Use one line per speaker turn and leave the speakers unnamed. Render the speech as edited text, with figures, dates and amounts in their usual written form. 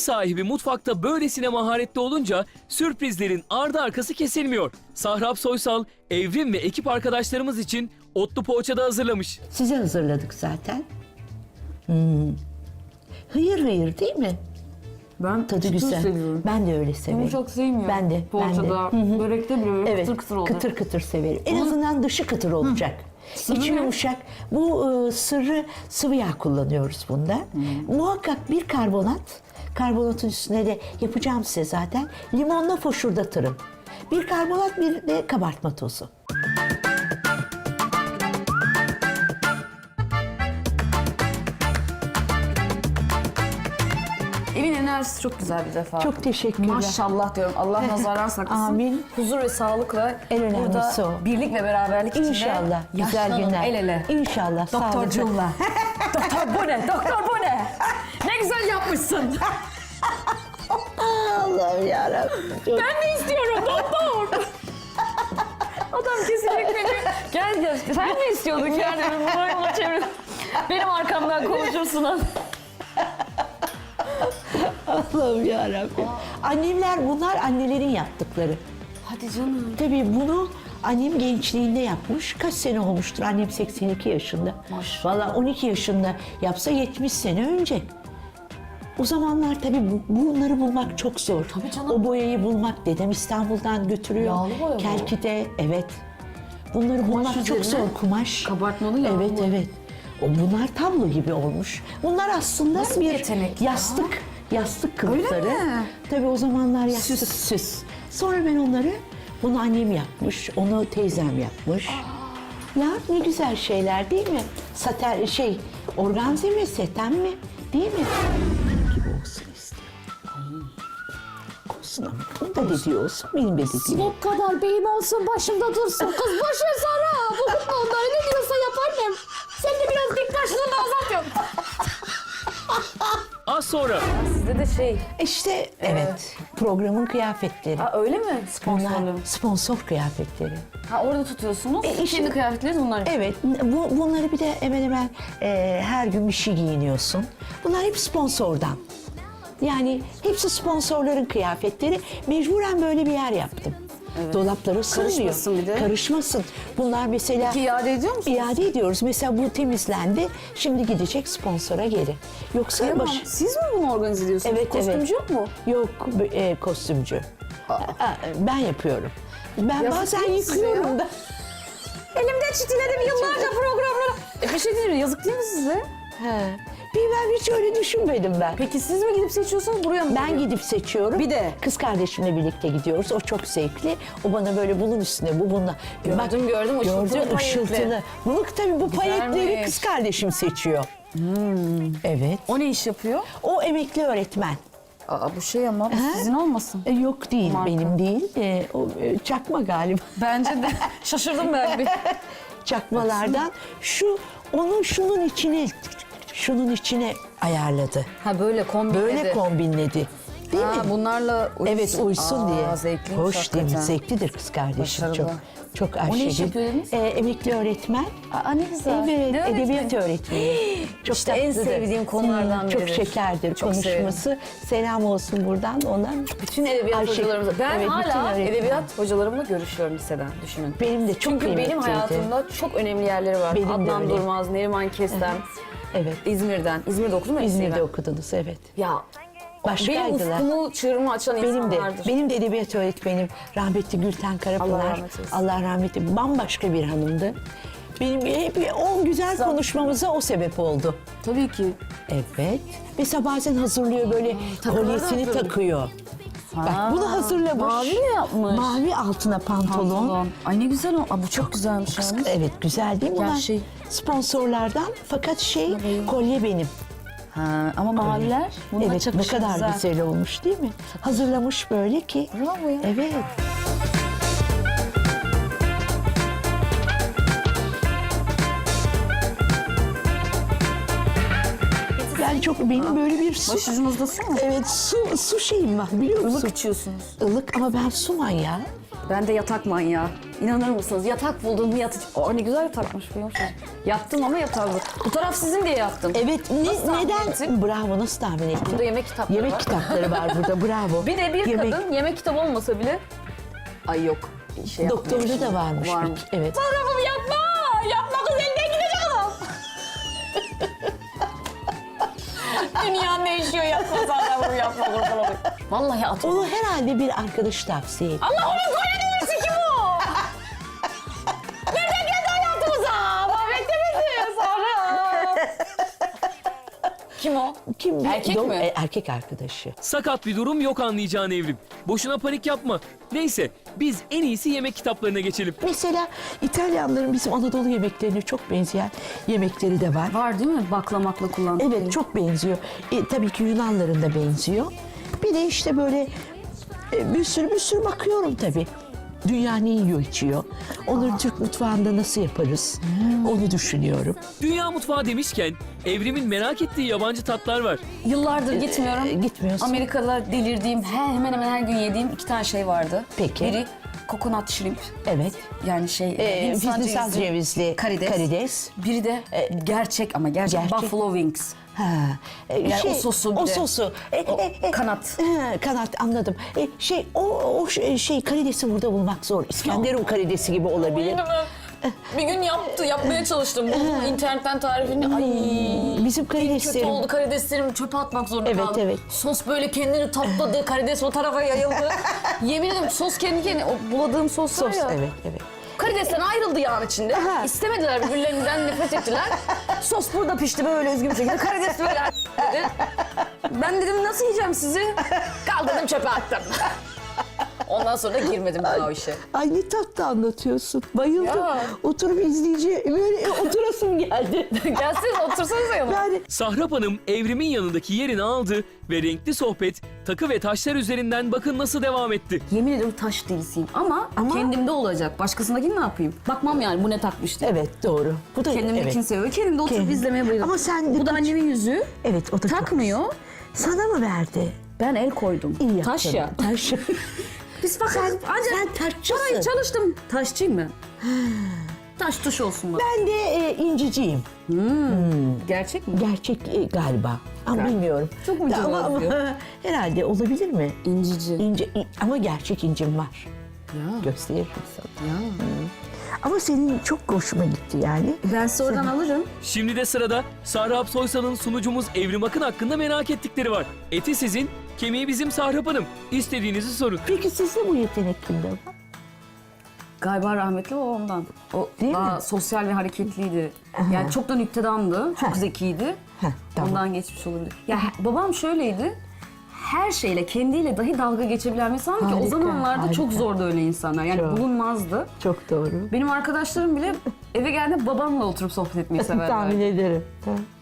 sahibi mutfakta böylesine maharetli olunca sürprizlerin ardı arkası kesilmiyor. Sahrap Soysal, Evrim ve ekip arkadaşlarımız için otlu poğaça da hazırlamış.
Size hazırladık zaten. Hıyır hıyır değil mi?
Ben
Tadı
çıtır
güzel.
seviyorum.
Ben de öyle severim.
Yumuşak sevmiyorum.
Ben de.
Poğaçada, börekte bile böyle
Evet,
kıtır kıtır olur.
kıtır kıtır severim. En azından dışı kıtır olacak. İçi
ne?
yumuşak. Bu sırrı sıvı yağ kullanıyoruz bunda. Muhakkak bir karbonat. Karbonatın üstüne de yapacağım size zaten. Limonla foşurdatırım. Bir karbonat, bir de kabartma tozu.
Evin enerjisi çok güzel bir defa.
Çok teşekkürler.
Maşallah diyorum. Allah nazardan saklasın.
Amin.
Huzur ve sağlıkla
En önemlisi
burada
o.
birlik ve beraberlik içinde
İnşallah. Güzel
yaşlanalım
günler.
el ele.
İnşallah. sağlıklı.
Doktorcuğumla. Doktor bu ne? Doktor bu ne? Ne güzel yapmışsın.
Allah'ım yarabbim.
Ben de istiyorum doktor. Adam kesinlikle beni gel sen mi istiyordun yani bunu yola çevir. Benim arkamdan konuşursun.
Allah'ım yarabbim. Annemler, bunlar annelerin yaptıkları.
Hadi canım.
Tabii bunu annem gençliğinde yapmış. Kaç sene olmuştur? Annem 82 yaşında.
Maşallah.
Valla 12 yaşında yapsa 70 sene önce. O zamanlar tabii bunları bulmak çok zor.
Tabii canım.
O boyayı bulmak, dedem İstanbul'dan götürüyor.
Yağlı boya bu.
Kelki'de, evet. Bunları bulmak çok
üzerine
zor. Kumaş.
kabartmalı yağlı
Evet,
boya.
evet. Bunlar tablo gibi olmuş. Bunlar aslında
Nasıl bir
bir
yetenek ya?
yastık kılıfları.
mi?
Tabii o zamanlar yastık süs. Sonra ben onları, bunu annem yapmış, onu teyzem yapmış. Ya ne güzel şeyler değil mi? Saten organze mi, seten mi? Değil mi? Gibi olsun istiyorum. Olsun ama. Onun da dediği olsun, benim de dediğim.
O kadar beyim olsun başımda dursun. Kız boş ver Sara. Bu kutlu onları ne diyorsa yap annem. Sen de biraz dik başlığını azalt yok.
Az sonra
Sizde de
İşte evet, programın kıyafetleri.
Ha, öyle mi
Bunlar
sponsorlu?
sponsor kıyafetleri.
Ha, orada tutuyorsunuz.
işte-
Kendi kıyafetleriniz bunlar.
Evet, bunları bir de hemen hemen her gün bir şey giyiniyorsun. Bunlar hep sponsordan. Yani hepsi sponsorların kıyafetleri. Mecburen böyle bir yer yaptım. Dolapları sığmıyor.
Karışmasın bir de.
Karışmasın. Bunlar mesela...
Peki iade ediyor musunuz?
İade ediyoruz. Mesela bu temizlendi. Şimdi gidecek sponsora geri. Yoksa
Tamam. Siz mi bunu organize ediyorsunuz?
Evet,
Kostümcü yok mu?
Yok, kostümcü. Ben yapıyorum. Ben
Yazık
bazen
değil mi size
yıkıyorum
ya?
da.
Elimde çitiledim yıllarca programlara. Bir şey değil mi? Yazık değil mi size?
He. Ben hiç öyle düşünmedim ben.
Peki siz mi gidip seçiyorsunuz buraya mı?
Ben gidip seçiyorum.
Bir de?
Kız kardeşimle birlikte gidiyoruz. O çok zevkli. O bana böyle bunun üstüne, bu bununla.
Gördüm, ışıltılı
Gördüm,
payetli.
ışıltılı. Bunu tabii bu payetleri
Güzelmiş.
kız kardeşim seçiyor. Evet.
O ne iş yapıyor?
O emekli öğretmen.
Aa, bu şey ama bu sizin olmasın.
Yok değil,
Marka.
benim değil. O çakma galiba.
Bence de. Şaşırdım ben bir.
Çakmalardan. Şunun içine ayarladı.
Ha böyle kombinledi.
Böyle kombinledi. Değil
Ha,
mi?
bunlarla uyusun.
Evet, uysun diye.
Zevkliymiş
Hoş değil mi?
hakikaten.
Zevklidir kız kardeşim.
Başarılı.
Çok
O ne iş
aşırı.
yapıyor dediniz?
Emekli öğretmen.
Aa, ne güzel.
Evet,
Ne öğretmeni?
edebiyat öğretmeni. Çok
İşte en
tatlıdır.
sevdiğim konulardan
Çok
biridir.
şekerdir
Çok
konuşması. Selam olsun buradan ondan.
Bütün edebiyat
Ayşe-
hocalarımızla. Ben
Evet, bütün
hala
öğretmen.
edebiyat hocalarımla görüşüyorum liseden, düşünün.
Benim de çok
Çünkü benim
kıymetliydi.
hayatımda çok önemli yerleri var.
Benim de
Adnan
öyle.
Durmaz, Neriman Kestem,
Evet.
İzmir'den. İzmir'de okudun mu?
İzmir'de
hepsini?
okudunuz, evet.
Ya benim
Başkaydılar.
ufkumu, çığırımı açan
Benim de,
insanlardır.
benim de edebiyat öğretmenim rahmetli Gülten Karapınar.
Allah rahmet eylesin.
Allah rahmet eylesin. Bambaşka bir hanımdı. Benim hep o güzel konuşmamıza o sebep oldu.
Tabii ki.
Evet. Mesela bazen hazırlıyor böyle
takıları da
kolyesini
hazırlıyor.
takıyor. Bak bunu hazırlamış.
Mavi mi yapmış?
Mavi altına pantolon.
Ay ne güzel o. Aa, bu çok güzelmiş yalnız.
Evet güzel değil mi? Bunlar
Gerçi-
sponsorlardan fakat kolye benim.
Ha, ama maviler bununla
Evet ne
çakışır
kadar güzel olmuş değil mi? Hazırlamış böyle ki.
Bravo ya.
Evet. Yani çok benim böyle bir su.
Başucunuzda su mu?
Evet su şeyim var biliyor musun?
Ilık içiyorsunuz.
Ilık ama ben su manyağı.
Ben de yatak manyağı. İnanır mısınız? Yatak buldum, yatacağım. Aa, ne güzel yatakmış biliyor musunuz? Yattım ama yatağım. Bu taraf sizin diye yattım.
Evet, neden? Bravo, nasıl tahmin ettin?
Burada yemek kitapları
Yemek
var.
kitapları var burada, bravo.
Bir de bir
Yemek-
kadın yemek kitabı olmasa bile... Ay yok. Şey
Doktorda da varmış.
Varmış.
Evet.
Sarrafım yapma! Yapma kız elden gidecek adam. Dünya değişiyor yapma sarrafım yapma kurban olayım. Vallahi atma.
Onu herhalde bir arkadaş tavsiye etti.
Allah onun söylemesi kim o? Nereden geldi hayatımıza? Mahvetti bizi Sarraf. Kim o?
Kim?
Erkek mi?
Erkek arkadaşı.
Sakat bir durum yok anlayacağın Evrim. Boşuna panik yapma. Neyse biz en iyisi yemek kitaplarına geçelim.
Mesela İtalyanların bizim Anadolu yemeklerine çok benzeyen yemekleri de var.
Var değil mi? Baklamakla kullandık.
Evet, çok benziyor. Tabii ki Yunanların da benziyor. Bir de işte böyle bir sürü bakıyorum tabii. Dünya ne yiyor içiyor. Onları Türk mutfağında nasıl yaparız? Onu düşünüyorum.
Dünya mutfağı demişken Evrim'in merak ettiği yabancı tatlar var.
Yıllardır gitmiyorum.
Gitmiyorsun.
Amerika'da delirdiğim, hemen hemen her gün yediğim 2 tane şey vardı.
Peki.
Biri coconut shrimp.
Evet.
Yani
Hindistan cevizli karides.
Biri de gerçek ama gerçek
Gerçek.
buffalo wings.
Ha,
Yani o sosu bir
o
de.
sosu.
Kanat.
Kanat anladım. Şey karidesi burada bulmak zor. İskenderun karidesi gibi olabilir.
Bir gün yapmaya çalıştım. Buldum internetten tarifini. Ay
Bizim
kötü
karideslerim.
oldu karideslerimi çöpe atmak zorunda
Evet,
kaldım.
evet.
Sos böyle kendini tapladı, karides o tarafa yayıldı. Yemin ederim sos kendi kendine, o buladığım sos var
Sos,
ya.
evet.
Karidesten ayrıldı yağın içinde.
Aha.
İstemediler, birbirlerinden nefret ettiler. Sos burada pişti böyle üzgün bir şekilde. Karides böyle dedi. Ben dedim nasıl yiyeceğim sizi? Kaldırdım çöpe attım. Ondan sonra da girmedim daha o işe.
Ay ne tatlı anlatıyorsun. Bayıldım.
Ya.
Oturup izleyici böyle oturasım geldi.
Gelseniz otursanıza yanıma.
Yani
Sahrap Hanım Evrim'in yanındaki yerini aldı ve renkli sohbet takı ve taşlar üzerinden bakın nasıl devam etti.
Yemin ederim taş delisiyim ama kendimde olacak. Başkasındakini ne yapayım? Bakmam yani bu ne takmış diye.
evet doğru. Bu da
Kendimdekini
evet.
seviyorum. Kendimde oturup
Kendim.
izlemeye bayılıyorum.
Ama sen de
Bu da annemin yüzüğü.
Evet o da çok
Takmıyor.
güzel. Sana mı verdi?
Ben el koydum.
İyi yaptın.
Taş ya.
Taş.
Biz bakın.
Sen taşçısın.
Ay çalıştım. Taşçıyım ben. Taş tuş olsun bak.
Ben de inciciyim.
Gerçek mi?
Gerçek galiba. Ama bilmiyorum.
Çok mu
ama,
cevap
herhalde olabilir mi?
İncici.
Ama gerçek incim var.
Ya.
Gösteririm sana. Ama senin çok hoşuma gitti yani.
Ben size oradan alırım.
Şimdi de sırada Sahrap Soysal'ın sunucumuz Evrim Akın hakkında merak ettikleri var. Eti sizin, kemiği bizim Sahrap Hanım. İstediğinizi sorun.
Peki sizde bu yetenek kimde var?
Galiba rahmetli o ondan. O
Değil
daha
mi?
sosyal ve hareketliydi. Yani çok da nüktedandı. Çok zekiydi.
Tamam.
Ondan geçmiş olabilir. Ya babam şöyleydi. Her şeyle, kendiyle dahi dalga geçebilen bir insan ki o
Harika,
zamanlarda
harika.
çok zordu öyle insanlar. Yani
Çok.
bulunmazdı.
Çok doğru.
Benim arkadaşlarım bile eve geldiğinde babamla oturup sohbet etmeyi severler.
Tahmin ederim.